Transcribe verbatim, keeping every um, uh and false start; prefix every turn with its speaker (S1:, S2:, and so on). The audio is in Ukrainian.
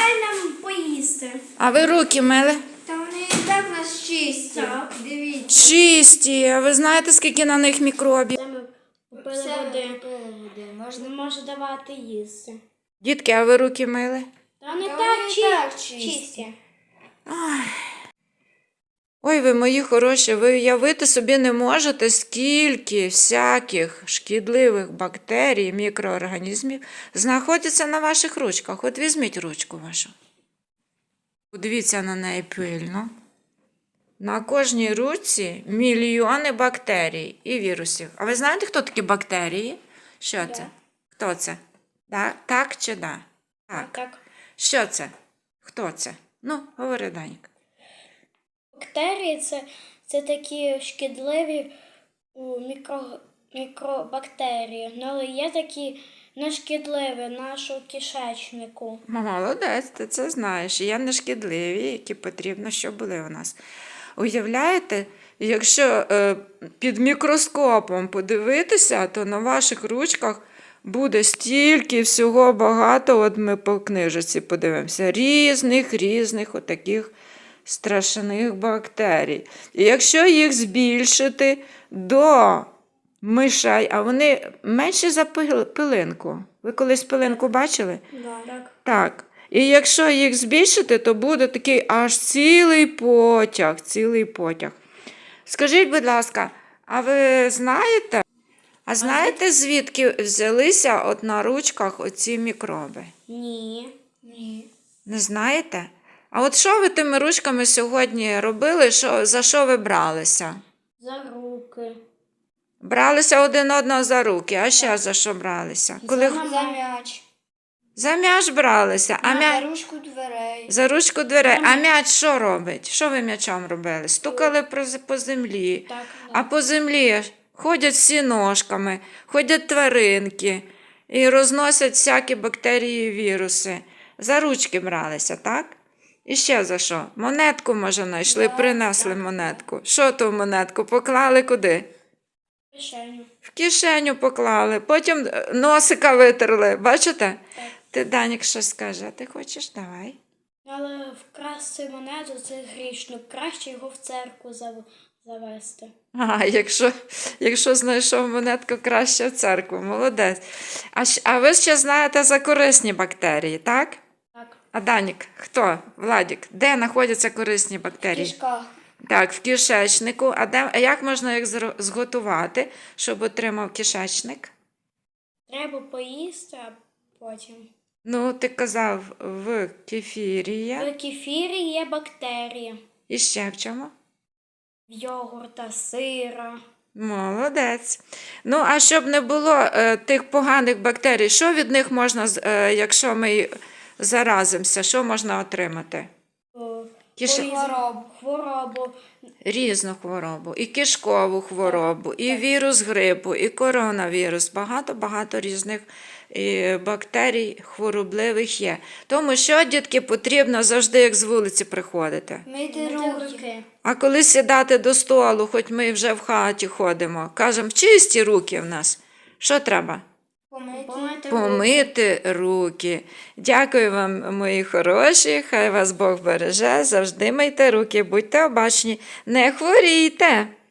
S1: дай нам поїсти.
S2: А ви руки мили?
S1: Та вони і так у нас чисті. Так. Дивіться.
S2: Чисті. А ви знаєте, скільки на них мікробів?
S3: Це ми попили
S1: Все
S3: води.
S1: купили води. Можна...
S3: Не може давати їсти.
S2: Дітки, а ви руки мили?
S3: Та не
S1: Та
S3: так,
S1: вони і
S3: чи...
S1: так чисті.
S3: чисті.
S2: Ой, ви мої хороші, ви уявити собі не можете, скільки всяких шкідливих бактерій, мікроорганізмів знаходяться на ваших ручках. От візьміть ручку вашу. Подивіться на неї пильно. На кожній ручці мільйони бактерій і вірусів. А ви знаєте, хто такі бактерії? Що це? Хто це? Да? Так чи да? Так.
S3: Так.
S2: Що це? Хто це? Ну, говори, Данька.
S3: Бактерії це, це такі шкідливі у, мікро, мікробактерії. Ну, але є такі нешкідливі нашому кишечнику.
S2: Молодець, ти це знаєш. Є нешкідливі, які потрібно, щоб були у нас. Уявляєте, якщо е, під мікроскопом подивитися, то на ваших ручках буде стільки всього багато, от ми по книжці подивимося, різних, різних отаких страшних бактерій. І якщо їх збільшити до мишей, а вони менші за пилинку. Ви колись пилинку бачили?
S3: Так.
S2: Так. І якщо їх збільшити, то буде такий аж цілий потяг, цілий потяг. Скажіть, будь ласка, а ви знаєте, а знаєте, звідки взялися от на ручках оці мікроби?
S3: Ні.
S1: Ні.
S2: Не знаєте? А от що ви тими ручками сьогодні робили, що, за що ви бралися?
S3: За руки.
S2: Бралися один одного за руки, а ще за що бралися? Коли...
S3: За
S1: За м'яч.
S2: За м'яч бралися, а м'яч...
S1: За ручку дверей.
S2: За ручку дверей. А м'яч що робить? Що ви м'ячом робили? Стукали по землі.
S3: Так.
S2: А по землі ходять всі ножками, ходять тваринки і розносять всякі бактерії і віруси. За ручки бралися, так? І ще за що? Монетку, може, знайшли, принесли монетку. Що ту монетку? Поклали куди?
S3: Кишеню.
S2: В кишеню поклали, потім носика витерли. Бачите?
S3: Так.
S2: Ти, Данік, щось скаже, ти хочеш? Давай.
S3: Але вкрасти монету це грішно. Краще його в церкву зав- завести.
S2: А, якщо, якщо знайшов монетку, краще в церкву. Молодець. А, щ- а ви ще знаєте за корисні бактерії, так?
S3: Так.
S2: А Данік, хто? Владік, де знаходяться корисні бактерії?
S1: Кишка.
S2: Так, в кишечнику. А, де, а як можна їх зро- зготувати, щоб отримав кишечник?
S3: Треба поїсти, а потім.
S2: Ну, ти казав, в кефірі є.
S3: В кефірі є бактерії.
S2: І ще в чому?
S3: В йогурта, сира.
S2: Молодець. Ну, а щоб не було е, тих поганих бактерій, що від них можна, з- е, якщо ми заразимося, що можна отримати?
S3: О,
S2: Киш...
S3: порізну
S1: Хворобу.
S3: Хворобу.
S2: Різну хворобу, і кишкову хворобу, і вірус грипу, і коронавірус. Багато-багато різних і бактерій хворобливих є. Тому що, дітки, потрібно завжди, як з вулиці приходити.
S1: Мити
S3: Мити
S1: руки.
S3: руки.
S2: А коли сідати до столу, хоч ми вже в хаті ходимо, кажемо, чисті руки в нас. Що треба?
S1: Помити.
S3: Помити руки.
S2: Помити руки. Дякую вам, мої хороші, хай вас Бог береже, завжди мийте руки, будьте обачні, не хворійте.